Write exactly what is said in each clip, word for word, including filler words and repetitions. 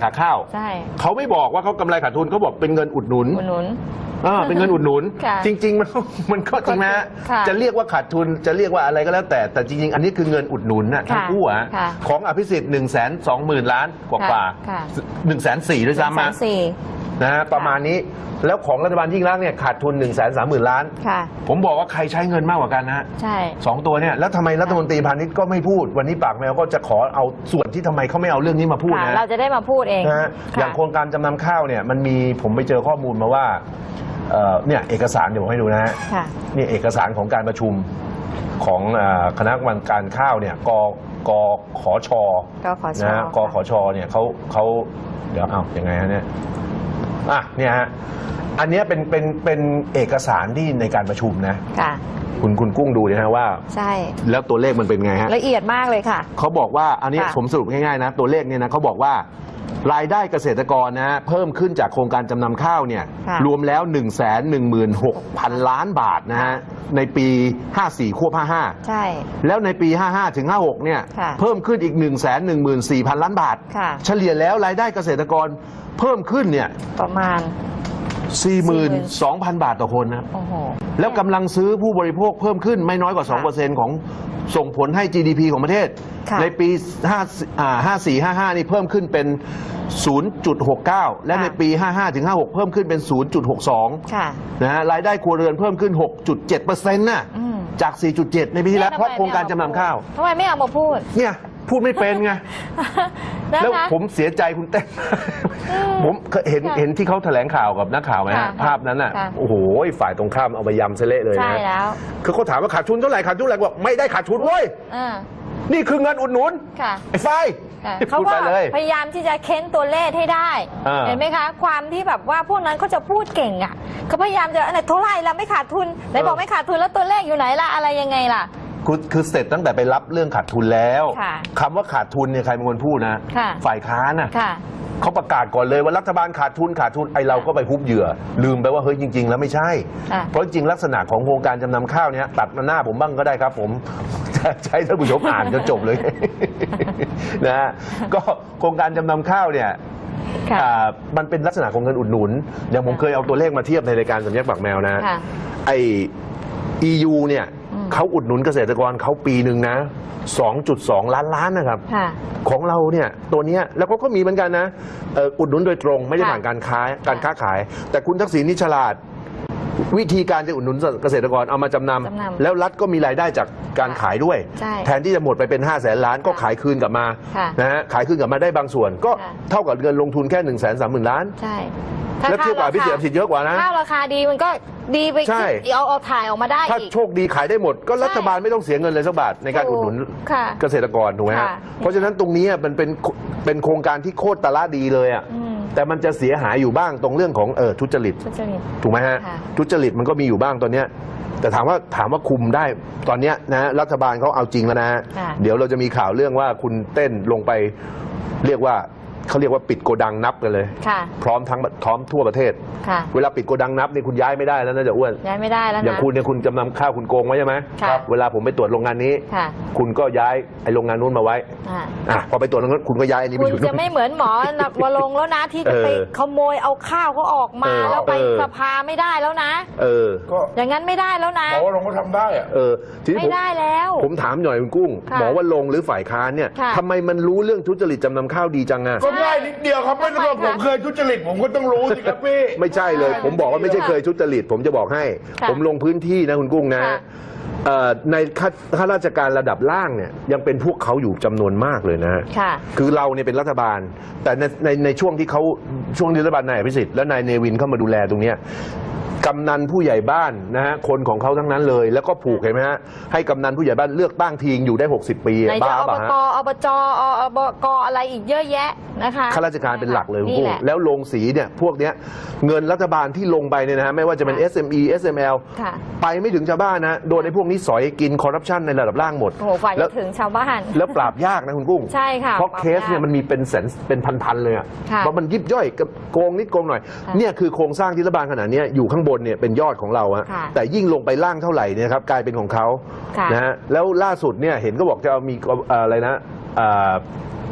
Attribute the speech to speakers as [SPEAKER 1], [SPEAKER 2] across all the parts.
[SPEAKER 1] ขาข้าวใช่เขาไม่บอกว่าเขากำไรขาดทุนเขาบอกเป็นเงินอุดหนุนอุดหนุนอ่าเป็นเงินอุดหนุนจริงๆมันมันก็จริงนะจะเรียกว่าขาดทุนจะเรียกว่าอะไรก็แล้วแต่แต่จริงๆอันนี้คือเงินอุดหนุนนะทั้งคู่อะของอภิสิทธิ์หนึ่งแสนสองหมื่นล้านกว่าหนึ่งแสนสี่ด้วยซ้ำมานะฮะประมาณนี้แล้วของรัฐบาลยิ่งรักษณ์เนี่ยขาดทุนหนึ่งแสนสามหมื่นล้านผมบอกว่าใครใช้เงินมากกว่ากันนะใช่สองตัวเนี่ยแล้วทำไมรัฐมนตรีพาณิชย์ก็ไม่พูดวันนี้ปากแมวก็จะขอเอาส่วนที่ทำไมเขาไม่เอาเรื่องนี้มาพูดนะ
[SPEAKER 2] เราจะได้มาพูดเอง
[SPEAKER 1] นะอย่างโครงการจำนำข้าวเนี่ยมันมีผมไปเจอข้อมูลมาว่าเนี่ยเอกสารเดี๋ยวผมให้ดูนะฮะนี่เอกสารของการประชุมของคณะกรรมการข้าวเนี่ยกกขชนะกขชเนี่ยเขาเขาเดี๋ยวเอาอย่างไงฮะเนี่ยอ่ะเนี่ยฮะอันนี้เป็นเป็นเป็นเอกสารที่ในการประชุมนะคุณคุณกุ้งดูนะฮะว่าใช่แล้วตัวเลขมันเป็นไงฮะ
[SPEAKER 2] ละเอียดมากเลยค่ะ
[SPEAKER 1] เขาบอกว่าอันนี้ผมสรุปง่ายๆนะตัวเลขเนี่ยนะเขาบอกว่ารายได้เกษตรกรนะฮะเพิ่มขึ้นจากโครงการจำนำข้าวเนี่ยรวมแล้ว หนึ่งแสนหนึ่งหมื่นหกพัน ล้านบาทนะฮะในปีห้าสี่ควบห้าห้าใช่แล้วในปีห้าห้าถึงห้าหกเนี่ยเพิ่มขึ้นอีก หนึ่งแสนหนึ่งหมื่นสี่พัน ล้านบาทเฉลี่ยแล้วรายได้เกษตรกรเพิ่มขึ้นเนี่ย
[SPEAKER 2] ประมาณ
[SPEAKER 1] สี่หมื่นสองพัน บาทต่อคนนะแล้วกำลังซื้อผู้บริโภคเพิ่มขึ้นไม่น้อยกว่า สองเปอร์เซ็นต์ ของส่งผลให้ จี ดี พี ของประเทศในปีห้าสี่ ห้าห้านี่เพิ่มขึ้นเป็น ศูนย์จุดหกเก้า และในปีห้าห้าถึงห้าหกเพิ่มขึ้นเป็น ศูนย์จุดหกสอง นะฮะรายได้ครัวเรือนเพิ่มขึ้น หกจุดเจ็ดเปอร์เซ็นต์ น่ะจาก สี่จุดเจ็ด ในปีที่แล้วเพราะโครงการจำนำข้าว
[SPEAKER 2] ทำไมไม่เอามาพูด
[SPEAKER 1] เนี่ยพูดไม่เป็นไงแล้วผมเสียใจคุณเต้นผมเห็นเห็นที่เขาแถลงข่าวกับนักข่าวไหมฮะภาพนั้นน่ะโอ้โหฝ่ายตรงข้ามเอาไปยำเสละเลยนะใช่แล้วคือเขาถามว่าขาดทุนเท่าไหร่ขาดทุนเท่าไหร่บอกไม่ได้ขาดทุนเว้ยนี่คือเงินอุดหนุนไอ้ไฟ
[SPEAKER 2] เขาก็พยายามที่จะเค้นตัวเลขให้ได้เห็นไหมคะความที่แบบว่าพวกนั้นเขาจะพูดเก่งอ่ะเขาพยายามจะอะไรเท่าไหร่ละไม่ขาดทุนไหนบอกไม่ขาดทุนแล้วตัวเลขอยู่ไหนล่ะอะไรยังไงล่ะ
[SPEAKER 1] คือคือเสร็จตั้งแต่ไปรับเรื่องขาดทุนแล้วคำว่าขาดทุนเนี่ยใครเป็นคนพูดนะฝ่ายค้านน่ะเขาประกาศก่อนเลยว่ารัฐบาลขาดทุนขาดทุนไอเราก็ไปฮุบเหยื่อลืมไปว่าเฮ้ยจริงๆแล้วไม่ใช่เพราะจริงลักษณะของโครงการจำนำข้าวเนี่ยตัดมาหน้าผมบ้างก็ได้ครับผมใช้ท่านผู้ชมอ่านจนจบเลยนะฮะก็โครงการจำนำข้าวเนี่ยมันเป็นลักษณะของเงินอุดหนุนอย่างผมเคยเอาตัวเลขมาเทียบในรายการสัญญาปากแมวนะไอ อี ยู เนี่ยเขาอุดหนุนเกษตรกรเขาปีหนึ่งนะ สองจุดสอง ล้านล้านนะครับของเราเนี่ยตัวนี้แล้วก็ก็มีเหมือนกันนะอุดหนุนโดยตรงไม่ได้ผ่านการค้าการค้าขายแต่คุณทักษิณนี่ฉลาดวิธีการจะอุดหนุนเกษตรกรเอามาจำนำแล้วรัฐก็มีรายได้จากการขายด้วยแทนที่จะหมดไปเป็นห้าแสนล้านก็ขายคืนกลับมานะฮะขายคืนกลับมาได้บางส่วนก็เท่ากับเงินลงทุนแค่หนึ่งแสนสามหมื่นล้านแล้วเทียบกับพิเศษพิเศษเยอะกว่านะ
[SPEAKER 2] ข้าวราคาดีมันก็ดีไปเอาเอาถ่ายออกมาได้
[SPEAKER 1] ถ้าโชคดีขายได้หมดก็รัฐบาลไม่ต้องเสียเงินเลยสักบาทในการอุดหนุนเกษตรกรถูกไหมฮะเพราะฉะนั้นตรงนี้มันเป็นเป็นโครงการที่โคตรตะละดีเลยอ่ะแต่มันจะเสียหายอยู่บ้างตรงเรื่องของเออทุจริตถูกไหมฮะทุจริตมันก็มีอยู่บ้างตอนเนี้ยแต่ถามว่าถามว่าคุมได้ตอนเนี้ยนะรัฐบาลเขาเอาจริงแล้วนะเดี๋ยวเราจะมีข่าวเรื่องว่าคุณเต้นลงไปเรียกว่าเขาเรียกว่าปิดโกดังนับกันเลยพร้อมทั้งพร้อมทั่วประเทศเวลาปิดโกดังนับนี่คุณย้ายไม่ได้แล้วนะจะอ้วน
[SPEAKER 2] ย้ายไม่ได้แล้วนะ
[SPEAKER 1] อย่างคุณเนี่ยคุณจำนำข้าวคุณโกงไว้ใช่ไหมเวลาผมไปตรวจโรงงานนี้คุณก็ย้ายไอ้โรงงานนู้นมาไว้อ่ะพอไปตรวจโรงงานคุณก็ย้ายอันนี้ไปอยู่
[SPEAKER 2] คุณจะไม่เหมือนหมอวรงแล้วนะที่จะไปขโมยเอาข้าวเขาออกมาแล้วไปสภาไม่ได้แล้วนะเออก็อย่างนั้นไม่ได้แล้วนะ
[SPEAKER 3] หมอวรงก็ทำได้อะ
[SPEAKER 1] เออ
[SPEAKER 2] ไม่ได้แล้ว
[SPEAKER 1] ผมถามหน่อยคุณกุ้งหมอวรงหรือฝ่ายค้านเนี่ยทำไมมันรู้เรื่องทุจริตจำนำข้าวดีจังอ่ะ
[SPEAKER 3] ก็ง่ายนิดเดียวครับไม่ต้องผมเคยทุจริตผมก็ต้องรู้สิครับพี่
[SPEAKER 1] ไม่ใช่เลยผมบอกว่าไม่ใช่เคยทุจริตผมจะบอกให้ผมลงพื้นที่นะคุณกุ้งนะในข้าราชการระดับล่างเนี่ยยังเป็นพวกเขาอยู่จำนวนมากเลยนะคือเราเนี่ยเป็นรัฐบาลแต่ในในในช่วงที่เขาช่วงรัฐบาลนายอภิสิทธิ์และนายเนวินเข้ามาดูแลตรงนี้กำนันผู้ใหญ่บ้านนะฮะคนของเขาทั้งนั้นเลยแล้วก็ผูกเห็นไหมฮะให้กำนันผู้ใหญ่บ้านเลือกตั้งทีอยู่ได้หกสิบปี
[SPEAKER 2] บ้าป่ะฮะอบจอบกอะไรอีกเยอะแยะนะคะ
[SPEAKER 1] ข้าราชการเป็นหลักเลยคุณแล้วลงสีเนี่ยพวกเนี้ยเงินรัฐบาลที่ลงไปเนี่ยนะฮะไม่ว่าจะเป็น เอส เอ็ม อี เอส เอ็ม แอล ไปไม่ถึงชาวบ้านนะโดนในพวกนี้สอยกินคอร์รัปชันในระดับล่างหมด
[SPEAKER 2] โอ้โหฝ่ายถึงชาวบ้าน
[SPEAKER 1] แล้วปราบยากนะคุณกุ้ง
[SPEAKER 2] ใช่ค่ะ
[SPEAKER 1] เพราะเคสเนี่ยมันมีเป็นแสนเป็นพันๆเลยอ่ะเพราะมันยิบย่อยโกงนิดโกงหน่อยเนี่ยคือโครงสร้างที่รัฐบาลขนาดนี้อยู่ข้างบนเนี่ยเป็นยอดของเราอะแต่ยิ่งลงไปล่างเท่าไหร่เนี่ยครับกลายเป็นของเขานะฮะแล้วล่าสุดเนี่ยเห็นก็บอกจะมีอะไรนะ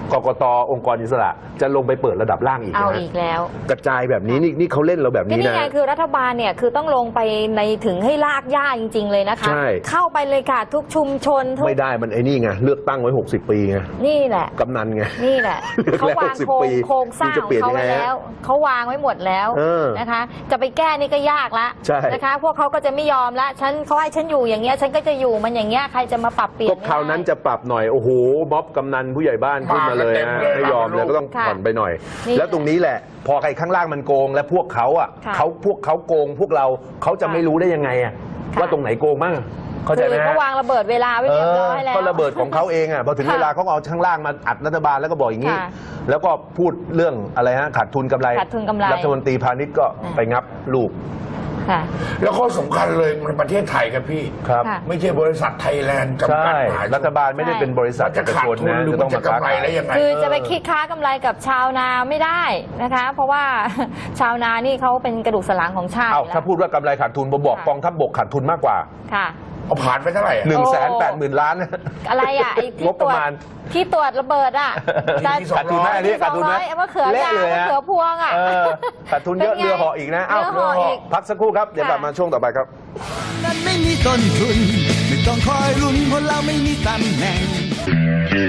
[SPEAKER 1] กกตองค์กรอิสระจะลงไปเปิดระดับล่างอีก
[SPEAKER 2] เอา
[SPEAKER 1] นะ
[SPEAKER 2] อีกแล้ว
[SPEAKER 1] กระจายแบบนี้นี่นี่เขาเล่นเราแบบ
[SPEAKER 2] ก็
[SPEAKER 1] นี้
[SPEAKER 2] นี่
[SPEAKER 1] นะ
[SPEAKER 2] ไงคือรัฐบาลเนี่ยคือต้องลงไปในถึงให้ลากย่าจริง ๆ เลยนะคะ
[SPEAKER 1] ใช่
[SPEAKER 2] เข้าไปเลยค่ะ ทุกชุมชนทุก
[SPEAKER 1] ไม่ได้มันไอ้นี่ไงเลือกตั้งไว้หกสิบปีไง
[SPEAKER 2] นี่แหละ
[SPEAKER 1] กำนันไง
[SPEAKER 2] นี่แหละ
[SPEAKER 1] เลือก
[SPEAKER 2] เขา
[SPEAKER 1] แล้ว
[SPEAKER 2] วาง
[SPEAKER 1] หกสิบ
[SPEAKER 2] โครง
[SPEAKER 1] ปี
[SPEAKER 2] โครงสร้าง
[SPEAKER 1] จะ
[SPEAKER 2] ข
[SPEAKER 1] เปลี่
[SPEAKER 2] อย ง
[SPEAKER 1] น
[SPEAKER 2] เขา
[SPEAKER 1] ยังไง
[SPEAKER 2] ไว้แล้วเขาวางไว้หมดแล้ว
[SPEAKER 1] เออ
[SPEAKER 2] นะคะ จะไปแก้นี่ก็ยากละ
[SPEAKER 1] ใช่
[SPEAKER 2] นะคะ พวกเขาก็จะไม่ยอมละฉันเขาให้ฉันอยู่อย่างเงี้ยฉันก็จะอยู่มันอย่างเงี้ยใครจะมาปรับเปลี่ยน
[SPEAKER 1] ก็คราวนั้นจะปรับหน่อยโอ้โหม็อบกำนันผู้ใหญ่บ้านขึ้นมาเลยนะไม่ยอมเลยก็ต้องผ่อนไปหน่อย แล้วตรงนี้แหละ พอใครข้างล่างมันโกงและพวกเขาอ่ะเขาพวกเขาโกงพวกเราเขาจะไม่รู้ได้ยังไงอ่ะว่าตรงไหนโกงบ้างเข้าใจไหม
[SPEAKER 2] คือเขาวางระเบิดเวลาไว้เรียบร้อยแล้ว
[SPEAKER 1] ก็ระเบิดของเขาเองอ่ะพอถึงเวลาเขาเอาข้างล่างมาอัดรัฐบาลแล้วก็บอกอย่างนี้ แล้วก็พูดเรื่องอะไรฮะขาดทุนกำไร
[SPEAKER 2] ขาดทุนกำไร
[SPEAKER 1] รัฐมนตรีพาณิชย์ก็ไปงับลูก
[SPEAKER 2] ค่ะ
[SPEAKER 3] แล้วข้อสำคัญเลยมันประเทศไทยครับพี่
[SPEAKER 1] ครับ
[SPEAKER 2] ค่ะ
[SPEAKER 3] ไม่ใช่บริษัทไทยแลนด์จำกัด
[SPEAKER 1] ใช่
[SPEAKER 3] มหาชน
[SPEAKER 1] รัฐบาลไม่ได้เป็นบริษัท
[SPEAKER 3] มันจะ
[SPEAKER 1] เอก
[SPEAKER 3] ขาด
[SPEAKER 1] ชน
[SPEAKER 3] ทุน
[SPEAKER 1] นะ
[SPEAKER 3] หรือ
[SPEAKER 1] จะ
[SPEAKER 3] มั
[SPEAKER 1] ต้อง
[SPEAKER 3] นจะ
[SPEAKER 1] มาก
[SPEAKER 3] ำไร
[SPEAKER 1] ค้าขาย
[SPEAKER 3] ได้ยังไง
[SPEAKER 2] คือจะไปคิดค้ากำไรกับชาวนาไม่ได้นะคะ เพราะว่า ชาวนานี่เขาเป็นกระดูกสันหลังของชาติ
[SPEAKER 1] เอ้า
[SPEAKER 2] อยู่แล้ว
[SPEAKER 1] ถ้าพูดว่ากำไรขาดทุนผมบอก
[SPEAKER 2] ค่ะ
[SPEAKER 1] กองทัพบกขาดทุนมากกว่า
[SPEAKER 2] ค่ะ
[SPEAKER 3] เอาผ่านไปเท่าไหร่อะ
[SPEAKER 1] หนึ่งแสนแปดหมื่นล้าน
[SPEAKER 2] อะไรอ่ะไอ้ที่
[SPEAKER 1] งบ
[SPEAKER 2] ต
[SPEAKER 1] ป
[SPEAKER 2] รว
[SPEAKER 1] ระ
[SPEAKER 2] จ
[SPEAKER 1] มาณ
[SPEAKER 2] ที่ตรวจระเบิดอ่ะ
[SPEAKER 3] ที่สอง
[SPEAKER 1] ขาดทุนไหมอันนี้ขาดทุนไหม
[SPEAKER 2] สองร้อยเอามะเขือยาว
[SPEAKER 1] ละเลย
[SPEAKER 2] มะ
[SPEAKER 1] ฮะ
[SPEAKER 2] เขือพวงอ่ะ
[SPEAKER 1] เออขาดทุนเยอะ
[SPEAKER 2] เป็นไง
[SPEAKER 1] เรือเหาะอีกนะเอ้า
[SPEAKER 2] เรือเหาะอีก
[SPEAKER 1] พักสักครู่ครับเดี๋ยวกลับมาช่วงต่อไปครับ
[SPEAKER 4] นั้นไม่มีต้นทุน ไม่ต้องคอยลุ้นเพราะเราไม่มีตำแหน่ง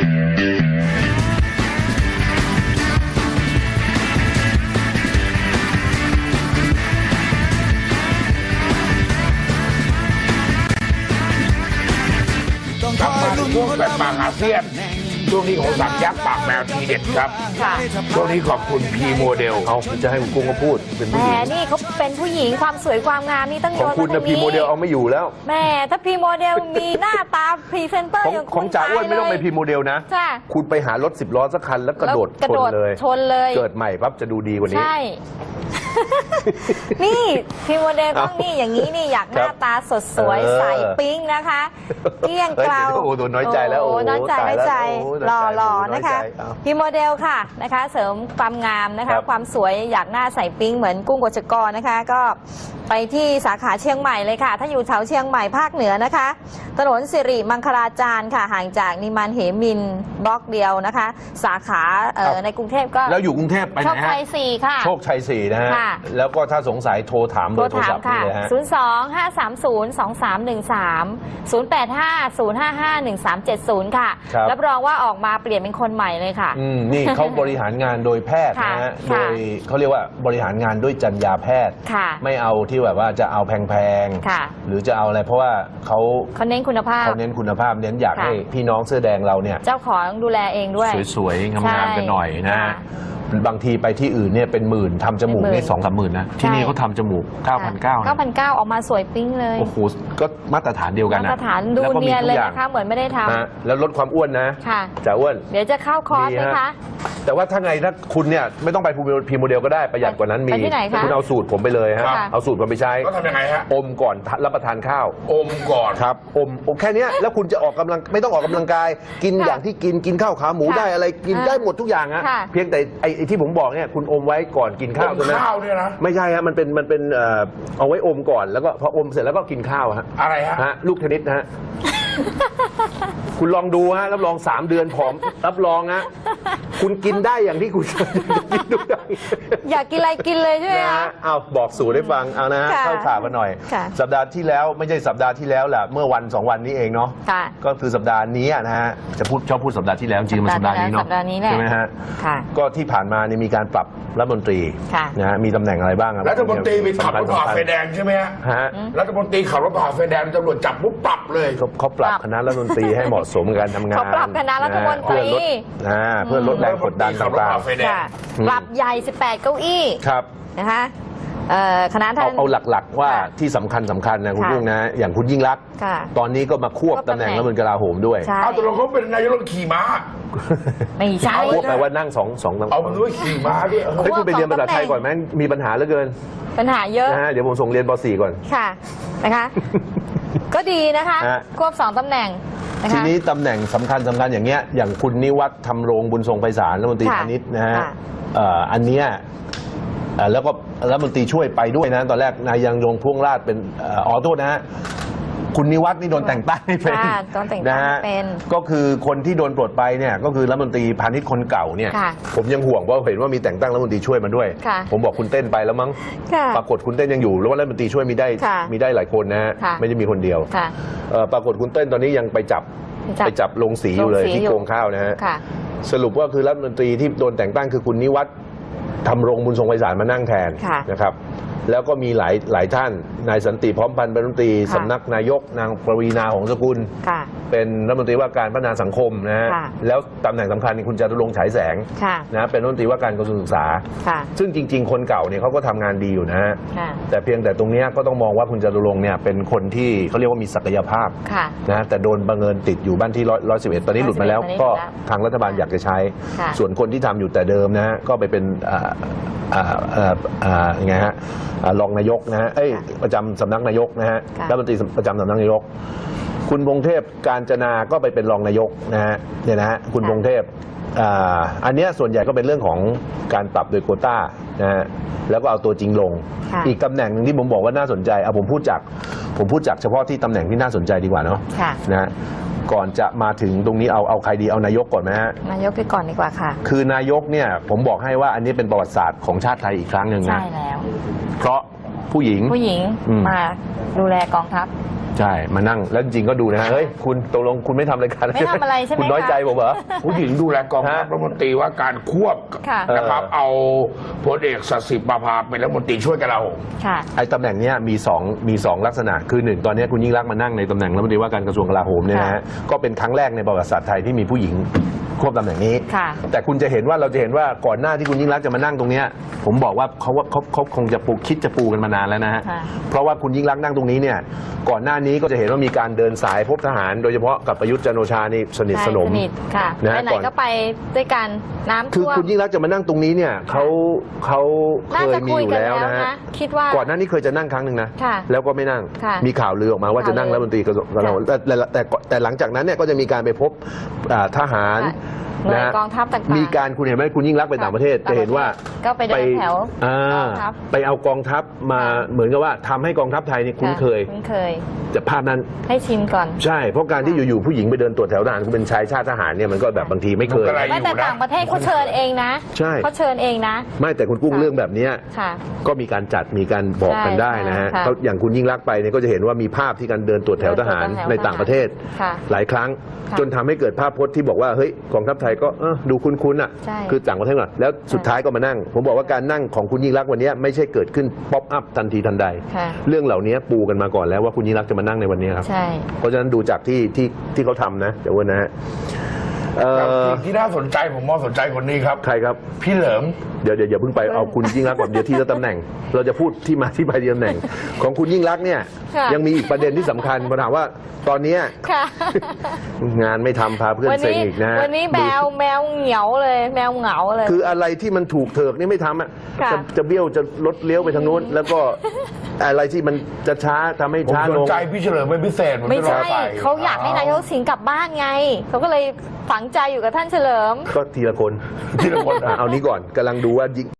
[SPEAKER 3] กลับมาในช่วงแปดปากอาเซียนช่วงนี้ของสังยักษ์ปากแมวทีเด็ดครับ
[SPEAKER 2] ค่ะ
[SPEAKER 3] ช่วงนี้ขอบคุณพีโมเดล
[SPEAKER 1] เอาจะให้คุณกุ้งก็พูดเป็น
[SPEAKER 2] แห
[SPEAKER 1] ผู้หญิง
[SPEAKER 2] มนี่เขาเป็นผู้หญิงความสวยความงามนี่ต้อง
[SPEAKER 1] ข
[SPEAKER 2] โย
[SPEAKER 1] อง
[SPEAKER 2] น
[SPEAKER 1] คุณ
[SPEAKER 2] มา
[SPEAKER 1] นะ
[SPEAKER 2] ทาง
[SPEAKER 1] พี
[SPEAKER 2] นี้
[SPEAKER 1] โมเดลเอาไม่อยู่แล้ว
[SPEAKER 2] แหม่ถ้าพีโมเดลมีหน้าตาพรีเซนเตอร์
[SPEAKER 1] ของ
[SPEAKER 2] อย่าง
[SPEAKER 1] ข
[SPEAKER 2] คุ
[SPEAKER 1] อง
[SPEAKER 2] ณ
[SPEAKER 1] จ่าอ้วนไม่ต้องไป
[SPEAKER 2] ตายเลย
[SPEAKER 1] พีโมเดลนะ
[SPEAKER 2] จ้ะ
[SPEAKER 1] คุณไปหารถสิบล้อสักคันแล้วกระโดด
[SPEAKER 2] กระ
[SPEAKER 1] ช
[SPEAKER 2] โด
[SPEAKER 1] น
[SPEAKER 2] ด
[SPEAKER 1] เลย
[SPEAKER 2] ชนเลย
[SPEAKER 1] เกิดใหม่ปั๊บจะดูดีกว่านี้
[SPEAKER 2] ใช่ นี่พีโมเดลต้อง
[SPEAKER 1] เอา
[SPEAKER 2] นี่อย่างนี้นี่อยากห
[SPEAKER 1] ครั
[SPEAKER 2] น้า
[SPEAKER 1] บ
[SPEAKER 2] ตาสดสวย
[SPEAKER 1] เออ
[SPEAKER 2] ใสปิ๊งนะคะเกลี้ยงเกลา
[SPEAKER 1] เฮ้ยโอ้โหน้อยใจแล้ว
[SPEAKER 2] โอ้โห
[SPEAKER 1] โอ้โห
[SPEAKER 2] น้อยใจ
[SPEAKER 1] ตาย
[SPEAKER 2] น้อย
[SPEAKER 1] แล้ว
[SPEAKER 2] ใจ
[SPEAKER 1] โอ้โห
[SPEAKER 2] หล่อ
[SPEAKER 1] น้อยใจ
[SPEAKER 2] หล่อ
[SPEAKER 1] น้อยใจ
[SPEAKER 2] นะคะ
[SPEAKER 1] เอา
[SPEAKER 2] พีโมเดลค่ะนะคะ เสริมความงามนะ
[SPEAKER 1] ครั
[SPEAKER 2] คะ
[SPEAKER 1] บ
[SPEAKER 2] ความสวยอยากหน้าใสปิ๊งเหมือนกุ้งกฎชกรนะคะ ก็ไปที่สาขาเชียงใหม่เลยค่ะ ถ้าอยู่แถวเชียงใหม่ภาคเหนือนะคะ ถนนสิริมังคลาจารย์ค่ะ ห่างจากนิมานเหมินบล็อกเดียวนะคะ สาขาเอ่อในกรุงเทพก็
[SPEAKER 1] แล้วอยู่กรุงเทพไปไห
[SPEAKER 2] โช
[SPEAKER 1] น
[SPEAKER 2] ค
[SPEAKER 1] ฮะ
[SPEAKER 2] ชัยสี่ค่ะ
[SPEAKER 1] โชคชัยสี่นะฮะ
[SPEAKER 2] ค่ะ
[SPEAKER 1] แล้วก็ถ้าสงสัยโทรถามเบ
[SPEAKER 2] โท
[SPEAKER 1] อ
[SPEAKER 2] ร
[SPEAKER 1] ร์โทร
[SPEAKER 2] ถา
[SPEAKER 1] ศั
[SPEAKER 2] ม
[SPEAKER 1] พท์
[SPEAKER 2] ค่ะ
[SPEAKER 1] นี่เลยฮะ
[SPEAKER 2] ศูนย์ สอง ห้า สาม ศูนย์ สอง สาม หนึ่ง สาม ศูนย์ แปด ห้า ศูนย์ ห้า ห้า หนึ่ง สาม เจ็ด ศูนย์ ค่ะ
[SPEAKER 1] ครับ
[SPEAKER 2] รับรองว่าออกมาเปลี่ยนเป็นคนใหม่เลยค่ะ
[SPEAKER 1] อืมนี่เขาบริหารงานโดยแพทย์นะฮะ
[SPEAKER 2] ค่ะ
[SPEAKER 1] โดยเขาเรียกว่าบริหารงานด้วยจรรยาแพทย์
[SPEAKER 2] ค่ะ
[SPEAKER 1] ไม่เอาที่แบบว่าจะเอาแพง
[SPEAKER 2] ค่ะ
[SPEAKER 1] ๆ หรือจะเอาอะไรเพราะว่าเขา
[SPEAKER 2] เขาเน้นคุณภาพ
[SPEAKER 1] เขาเน้นคุณภาพเน้นอยาก
[SPEAKER 2] ค่ะ
[SPEAKER 1] ให้พี่น้องเสื้อแดงเราเนี่ย
[SPEAKER 2] เจ้าของดูแลเองด้วย
[SPEAKER 1] สวยๆ งา
[SPEAKER 2] ใช่
[SPEAKER 1] มๆกันหน่อยนะ
[SPEAKER 2] ค่ะ
[SPEAKER 1] บางทีไปที่อื่นเนี่ยเป็นหมื่นทำจมูก
[SPEAKER 2] เป็นหมื่น
[SPEAKER 1] นี่สองสามหมื่นนะ ที่นี่เขาทำจมูก เก้าพันเก้า
[SPEAKER 2] เก้าพันเก้าออกมาสวยปิ๊งเลย
[SPEAKER 1] โอ้โหก็มาตรฐานเดียวกัน
[SPEAKER 2] มา
[SPEAKER 1] นะ
[SPEAKER 2] ตรฐานดู
[SPEAKER 1] แล้วก็มี
[SPEAKER 2] เนียน
[SPEAKER 1] ทุก
[SPEAKER 2] เลย
[SPEAKER 1] อย่าง
[SPEAKER 2] นะคะ เหมือนไม่ได้ท
[SPEAKER 1] นะแล้วลดความอ้วนนะ
[SPEAKER 2] ำค่ะ
[SPEAKER 1] จ่าอ้วน
[SPEAKER 2] เดี๋ยวจะเข้าคอร์สไหม
[SPEAKER 1] ดีฮะ
[SPEAKER 2] คะ
[SPEAKER 1] แต่ว่าถ้าไงถ้าคุณเนี่ยไม่ต้องไปพรีโมเดลก็ได้ประหยัดกว่านั้นมี
[SPEAKER 2] ไปที่ไหนคะ
[SPEAKER 1] คุณเอาสูตรผมไปเลยฮะ
[SPEAKER 2] ค่ะ
[SPEAKER 1] เอาสูตรผมไปใช้
[SPEAKER 3] ก็ทำยังไงฮะ
[SPEAKER 1] อมก่อนรับประทานข้าว
[SPEAKER 3] อมก่อน
[SPEAKER 1] ครับอมอมแค่เนี้ยแล้วคุณจะออกกำลังไม่ต้องออกกำลังกาย กิน
[SPEAKER 2] ค่ะ
[SPEAKER 1] อย่างที่กินกินข้าวขาหมู
[SPEAKER 2] ค่ะ
[SPEAKER 1] ได้อะไรกิน
[SPEAKER 2] อ่า
[SPEAKER 1] ได้หมดทุกอย่างฮะ
[SPEAKER 2] ค่ะ
[SPEAKER 1] เพียงแต่ไอ้ไอ้ที่ผมบอกเนี่ยคุณอมไว้ก่อนกินข้าว
[SPEAKER 3] อม
[SPEAKER 1] ใช่ไหม
[SPEAKER 3] ข้าวเนี่ยนะ
[SPEAKER 1] ไม่ใช่ฮะมันเป็นมันเป็นเอ่อเอาไว้อมก่อนแล้วก็พออมเสร็จแล้วก็กินข้าวฮะ
[SPEAKER 3] อะไรฮะ
[SPEAKER 1] ฮะลูกเทนนิสนะฮะ คุณลองดูฮะรับรองสามเดือนผอมรับรองฮะคุณกินได้อย่างที่คุณกินทุกอย่าง
[SPEAKER 2] อยากกินอะไรกินเลยใช่ไหม
[SPEAKER 1] นะ
[SPEAKER 2] คะ
[SPEAKER 1] ฮะเอาบอกสูตรให้ฟังเอานะฮะ
[SPEAKER 2] ค่ะ
[SPEAKER 1] เข้าข่าวกันหน่อย
[SPEAKER 2] ค่ะ
[SPEAKER 1] สัปดาห์ที่แล้วไม่ใช่สัปดาห์ที่แล้วแหละเมื่อวันสองวันนี้เองเนาะ
[SPEAKER 2] ค่ะ
[SPEAKER 1] ก็คือสัปดาห์นี้นะฮะจะพูดชอบพูดสัปดาห์ที่แล้วจริงๆมันสัปดาห์นี้เนาะ
[SPEAKER 2] สัปดาห์นี้แหละ
[SPEAKER 1] ใช่ไหมฮะ
[SPEAKER 2] ค่ะ
[SPEAKER 1] ก็ที่ผ่านมาเนี่ยมีการปรับรัฐมนตรี
[SPEAKER 2] ค่ะ
[SPEAKER 1] นะฮะมีตำแหน่งอะไรบ้างอะ
[SPEAKER 3] รัฐมนตรีไปขับรถผ่าไฟแดงใช่ไหมฮะ
[SPEAKER 1] ฮะ
[SPEAKER 3] รัฐมนตรีขับรถผ่าไฟแดงตำรวจจับปุ๊บปรับเลย
[SPEAKER 1] เขาเขาปรับคณะรัฐมนตรีให้เหมาะสมกับการทำงาน
[SPEAKER 2] เขาปรับคณะรัฐมนตรี
[SPEAKER 1] เพื่อลดอ่าเพื่อลดแรงกดดัน
[SPEAKER 3] ขับรถ
[SPEAKER 1] ต่าง
[SPEAKER 3] ผ่าไฟแดง
[SPEAKER 2] ค่ะ ปรับใหญ่ สิบแปด เก้าอี้
[SPEAKER 1] ๆครับ
[SPEAKER 2] นะคะเอ่อคณะท่า
[SPEAKER 1] เอา
[SPEAKER 2] น
[SPEAKER 1] เอาหลักๆว่า
[SPEAKER 2] ค่ะ
[SPEAKER 1] ที่สำคัญสำคัญนะคุณ
[SPEAKER 2] ค่ะ
[SPEAKER 1] กุ้งนะอย่างคุณยิ่งรักษณ์
[SPEAKER 2] ค่ะ
[SPEAKER 1] ตอนนี้ก็มาควบ
[SPEAKER 2] ควบ
[SPEAKER 1] ตำแหน่ง
[SPEAKER 2] ตำแหน่ง
[SPEAKER 1] รัฐมนตรีกลาโหมด้วย
[SPEAKER 2] ใช่
[SPEAKER 3] เอาตกลงเขาเป็นนายกรัฐมนตรีขี่ม้า
[SPEAKER 2] ไม่ใช่
[SPEAKER 3] เอา
[SPEAKER 1] ควบแปลว่านั่งสองสองตำแห
[SPEAKER 3] เอา
[SPEAKER 1] น่ง
[SPEAKER 3] มันด้วยขี่ม้าด้วย
[SPEAKER 1] เฮ้ยคุณไปเรียนภาษาไทยก่อนไหมมีปัญหาเหลือเกิน
[SPEAKER 2] ปัญหาเยอะ
[SPEAKER 1] นะฮะเดี๋ยวผมส่งเรียนป .สี่ ก่อน
[SPEAKER 2] ค่ะนะคะ ก็ดีนะคะ
[SPEAKER 1] ฮะ
[SPEAKER 2] ควบสองตำแหน่งนะคะ
[SPEAKER 1] ทีนี้ตำแหน่งสำคัญสำคัญอย่างเงี้ยอย่างคุณนิวัฒน์ธรรมรงค์บุญทรงไพศาลรัฐมนตรี
[SPEAKER 2] ค่ะ
[SPEAKER 1] พาณิชย์นะฮะ
[SPEAKER 2] ค่ะ
[SPEAKER 1] เอ่ออันเนี้ยเอ่อแล้วก็รัฐมนตรีช่วยไปด้วยนะตอนแรกนายยังยงพ่วงราชเป็นเอ่ออ๋อโทษนะฮะคุณนิวัฒน์นี่โดนแต่งตั้งให้เป็น
[SPEAKER 2] ค่ะโดนแต่งตั้ง
[SPEAKER 1] นะฮะ
[SPEAKER 2] เป็น
[SPEAKER 1] ก็คือคนที่โดนปลดไปเนี่ยก็คือรัฐมนตรีพาณิชย์คนเก่าเนี่ย
[SPEAKER 2] ค่ะ
[SPEAKER 1] ผมยังห่วงเพราะเห็นว่ามีแต่งตั้งรัฐมนตรีช่วยมาด้วย
[SPEAKER 2] ค่ะ
[SPEAKER 1] ผมบอกคุณเต้นไปแล้วมั้ง
[SPEAKER 2] ค่ะ
[SPEAKER 1] ปรากฏคุณเต้นยังอยู่แล้วว่ารัฐมนตรีช่วยมีได้
[SPEAKER 2] ค่ะ
[SPEAKER 1] มีได้หลายคนนะฮะ
[SPEAKER 2] ค่ะ
[SPEAKER 1] ไม่ได้มีคนเดียว
[SPEAKER 2] ค่ะ
[SPEAKER 1] เอ่อปรากฏคุณเต้นตอนนี้ยังไปจับ
[SPEAKER 2] จับ
[SPEAKER 1] ไปจับลงสีอยู่เลย
[SPEAKER 2] ลงสี
[SPEAKER 1] ที่
[SPEAKER 2] อยู่
[SPEAKER 1] โกงข้าวนะฮะ
[SPEAKER 2] ค่ะ
[SPEAKER 1] สรุปว่าคือรัฐมนตรีที่โดนแต่งตั้งคือคุณนิวัฒน์ทำรงบุญทรงไพศาลมานั่งแทน
[SPEAKER 2] ค่ะ
[SPEAKER 1] นะครับ แล้วก็มีหลายหลายท่านนายสันติพร้อมพันธ์เป็นรัฐมนตรี
[SPEAKER 2] ค่ะ
[SPEAKER 1] สำนักนายกนางปวีณาหงสกุล
[SPEAKER 2] ค่ะ
[SPEAKER 1] เป็นรัฐมนตรีว่าการพัฒนาสังคมนะฮะ
[SPEAKER 2] ค่ะ
[SPEAKER 1] แล้วตำแหน่งสำคัญนี่คุณจตุรงค์ฉายแสง
[SPEAKER 2] ค่ะ
[SPEAKER 1] นะเป็นรัฐมนตรีว่าการกระทรวงศึกษา
[SPEAKER 2] ค่ะ
[SPEAKER 1] ซึ่งจริง ๆ คนเก่าเนี่ยเขาก็ทำงานดีอยู่นะฮะ
[SPEAKER 2] ค่ะ
[SPEAKER 1] แต่เพียงแต่ตรงเนี้ยก็ต้องมองว่าคุณจตุรงค์เนี่ยเป็นคนที่เขาเรียกว่ามีศักยภาพ
[SPEAKER 2] ค่ะ
[SPEAKER 1] นะแต่โดนบังเอิญติดอยู่บ้านที่ร้อยสิบเอ็ดตอนนี้หลุดมาแล้ว
[SPEAKER 2] ตอนนี้
[SPEAKER 1] ก็
[SPEAKER 2] หลุดแล้ว
[SPEAKER 1] ทางรัฐบาลอยากจะใช้
[SPEAKER 2] ค่ะ
[SPEAKER 1] ส่วนคนที่ทำอยู่แต่เดิมนะฮะก็ไปเป็นอ่าอ่าอ่าอ่ายังไงฮะอ่ารองนายกนะฮะเอ้ยประจำสำนักนายกนะฮะ
[SPEAKER 2] ค่ะ
[SPEAKER 1] รัฐมนตรีประจำสำนักนายก คุณพงเทพการจนาก็ไปเป็นรองนายกนะฮะเนี่ยนะฮะคุณพงเทพอ่าอันเนี้ยส่วนใหญ่ก็เป็นเรื่องของการปรับโดยโควต้านะฮะแล้วก็เอาตัวจริงลง
[SPEAKER 2] ค่ะ
[SPEAKER 1] อีกตำแหน่งหนึ่งที่ผมบอกว่าน่าสนใจเอาผมพูดจากผมพูดจากเฉพาะที่ตำแหน่งที่น่าสนใจดีกว่าเนาะ
[SPEAKER 2] ค่ะ
[SPEAKER 1] นะฮะก่อนจะมาถึงตรงนี้เอาเอาใครดีเอานายกก่อนไหมฮะ
[SPEAKER 2] นายกไปก่อนดีกว่าค่ะ
[SPEAKER 1] คือนายกเนี่ยผมบอกให้ว่าอันนี้เป็นประวัติศาสตร์ของชาติไทยอีกครั้งหนึ่ง
[SPEAKER 2] ใช่
[SPEAKER 1] นะ
[SPEAKER 2] แล้ว
[SPEAKER 1] เพราะผู้หญิง
[SPEAKER 2] ผู้หญิง
[SPEAKER 1] อืม
[SPEAKER 2] มาดูแลกองทัพ
[SPEAKER 1] ใช่มานั่งแล้วจริงๆก็ดูนะฮะเฮ้ยคุณตกลงคุณไม่ทำรายการ
[SPEAKER 2] ไม่ทำอะไรใช่ไหม
[SPEAKER 1] คุณน้อย
[SPEAKER 2] คะ
[SPEAKER 1] ใจผมเหรอ
[SPEAKER 3] ผู้หญิงดูแลกองทัพ
[SPEAKER 1] ฮะ
[SPEAKER 3] รัฐมนตรีว่าการควบ
[SPEAKER 2] ค่ะ
[SPEAKER 3] นะครับ เอาพลเอกสสิประภาเป็นรัฐมนตรีช่วยกลาโหม
[SPEAKER 2] ค่ะ
[SPEAKER 1] ไอ้ตำแหน่งเนี้ยมีสองมีสองลักษณะคือหนึ่งตอนนี้คุณยิ่งรักษณ์มานั่งในตำแหน่งรัฐมนตรีว่าการกระทรวงกลาโหมเนี่ยนะฮะก็เป็นครั้งแรกในประวัติศาสตร์ไทยที่มีผู้หญิงควบตำแหน่งนี้
[SPEAKER 2] ค่ะ
[SPEAKER 1] แต่คุณจะเห็นว่าเราจะเห็นว่าก่อนหน้าที่คุณยิ่งรักษณ์จะมานั่งตรงเนี้ยผมบอกว่าเขาว่าเขาเขาคงจะปูคิดจะปูกันมานานแล้วนะฮะ
[SPEAKER 2] ค่ะ
[SPEAKER 1] เพราะว่าคุณยิ่งรักษณ์นั่งตรงนี้เนี่ยก่อนหน้านี้ก็จะเห็นว่ามีการเดินสายพบทหาร โดยเฉพาะกับประยุทธ์จันทร์โอชานี่สนิทสนม
[SPEAKER 2] ใช่สนิทค่ะ
[SPEAKER 1] นะ
[SPEAKER 2] ไปไหน
[SPEAKER 1] ก่อน
[SPEAKER 2] ก็ไปด้วยกันน้ำ
[SPEAKER 1] คือ
[SPEAKER 2] ท่วม
[SPEAKER 1] คุณยิ่งรักษณ์จะมานั่งตรงนี้เนี่ยเขาเขาเค
[SPEAKER 2] น่าย จะ
[SPEAKER 1] มี
[SPEAKER 2] คุ
[SPEAKER 1] อย ยู่
[SPEAKER 2] กัน
[SPEAKER 1] แล้ว
[SPEAKER 2] แล้ว
[SPEAKER 1] นะฮะ
[SPEAKER 2] นะ คิดว่า
[SPEAKER 1] ก่อนหน้านี้เคยจะนั่งครั้งหนึ่งนะ
[SPEAKER 2] ค่ะ
[SPEAKER 1] แล้วก็ไม่นั่ง
[SPEAKER 2] ค่ะ
[SPEAKER 1] มีข่าวลือออกมาว่าจะนั่ง
[SPEAKER 2] ข่าวลือ
[SPEAKER 1] รัฐมนตรีกระทรวงกลาโหมแต่แต่แต่แต่หลังจากนั้นเนี่ยก็จะมีการไปพบอ่าทหาร
[SPEAKER 2] หน่วย
[SPEAKER 1] นะ
[SPEAKER 2] กองทัพต่างๆ
[SPEAKER 1] มีการคุณเห็นไหมคุณยิ่งรักษณ์ไปต่างประเทศ
[SPEAKER 2] ต่างประเทศ
[SPEAKER 1] จะเห็นว่า
[SPEAKER 2] ก็ไปเดินแถว
[SPEAKER 1] อ่าก
[SPEAKER 2] องทัพ
[SPEAKER 1] ไปเอากองทัพมา
[SPEAKER 2] ค่ะ
[SPEAKER 1] เหมือนกับว่าทำให้กองทัพไทยนี่คุ้นเคย
[SPEAKER 2] ะคุ้นเคย
[SPEAKER 1] แต่ภาพนั้น
[SPEAKER 2] ให้ชิมก่อน
[SPEAKER 1] ใช่เพราะการที่อยู่ๆผู้หญิงไปเดินตรวจแถวทหารคุณเป็นชายชาติทหารเนี่ยมันก็แบบบางทีไม่เคย
[SPEAKER 3] มันก็อะไร
[SPEAKER 2] ไม่แต่ต่างประเทศเขาเชิญเองนะ
[SPEAKER 1] ใช่
[SPEAKER 2] เขาเชิญเองนะ
[SPEAKER 1] ไม่แต่คุณกุ้ง
[SPEAKER 2] ค่ะ
[SPEAKER 1] เรื่องแบบเนี้ย
[SPEAKER 2] ค่ะ
[SPEAKER 1] ก็มีการจัดมีการบอกกันได้นะฮะ
[SPEAKER 2] ใช่ค่ะ
[SPEAKER 1] เขาอย่างคุณยิ่งรักษณ์ไปเนี่ยก็จะเห็นว่ามีภาพที่การเดินตรวจแถวทหาร
[SPEAKER 2] เดินตรวจแถว
[SPEAKER 1] ในต่างประเทศ
[SPEAKER 2] ค่ะ
[SPEAKER 1] หลายครั้ง
[SPEAKER 2] ค่ะ
[SPEAKER 1] จนทำให้เกิดภาพพจน์ที่บอกว่าเฮ้ยกองทัพไทยก็เออดูคุ้นๆอ่ะ
[SPEAKER 2] ใช่
[SPEAKER 1] คือต่างประเทศก่อนแล้วสุดท้ายก็มานั่ง ผมบอกว่าการนั่งของคุณยิ่งรักษณ์วันนี้ไม่ใช่เกิดขึ้นป๊อปอัพทันทีทันใด
[SPEAKER 2] ค่ะ
[SPEAKER 1] เรื่องเหล่านี้ปูกันมาก่อนแล้วว่าคุณยิ่งรักษณ์จะมานั่งในวันนี้ครับ
[SPEAKER 2] ใช่
[SPEAKER 1] เพราะฉะนั้นดูจากที่ที่ที่เขาทำนะเดี๋ยววันนะฮะเอ่
[SPEAKER 3] แต่
[SPEAKER 1] อ
[SPEAKER 3] สิ่งที่น่าสนใจผมมองสนใจคนนี้ครับ
[SPEAKER 1] ใครครับ
[SPEAKER 3] พี่เหลิม
[SPEAKER 1] เดี๋ยวเดี๋ยวอย่าเพิ่งไปเอาคุณยิ่งรักษณ์ก่อนเดี๋ยวที่ละตำแหน่ง เราจะพูดที่มาที่ไปที่ตำแหน่ง ของคุณยิ่งรักษณ์เนี่ย
[SPEAKER 2] ค่ะ
[SPEAKER 1] ยังมีอีกประเด็นที่สำคัญมาถามว่าตอนเนี้ย
[SPEAKER 2] ค่ะ
[SPEAKER 1] งานไม่ทำพาเพื่อน
[SPEAKER 2] วัน
[SPEAKER 1] เซ็ง
[SPEAKER 2] นี้
[SPEAKER 1] อีกนะฮะ
[SPEAKER 2] วันนี้แมวแมวเหงียวเลย แมวเหงาเลย
[SPEAKER 1] คืออะไรที่มันถูกเถิกนี่ไม่ทำอ่ะ
[SPEAKER 2] ค่ะ
[SPEAKER 1] จะจะเบี้ยวจะลดเลี้ยวไปทางนู้น แล้วก็อะไรที่มันจะช้าทำให้
[SPEAKER 3] ผม
[SPEAKER 1] ช้า
[SPEAKER 3] ส
[SPEAKER 1] ล
[SPEAKER 3] น
[SPEAKER 1] ง
[SPEAKER 3] ใจพี่เฉลิมเป็นพิเศษผม
[SPEAKER 2] ไม่
[SPEAKER 3] จะรอ
[SPEAKER 2] ใช่
[SPEAKER 3] ไป
[SPEAKER 2] เขาอยากให้นายกสิงห์กลับบ้านไง เขาก็เลยฝังใจอยู่กับท่านเฉลิม
[SPEAKER 1] ก็ทีละคน
[SPEAKER 3] ทีละคน
[SPEAKER 1] อ่ะเอานี้ก่อนกำลังดูว่ายิ่ง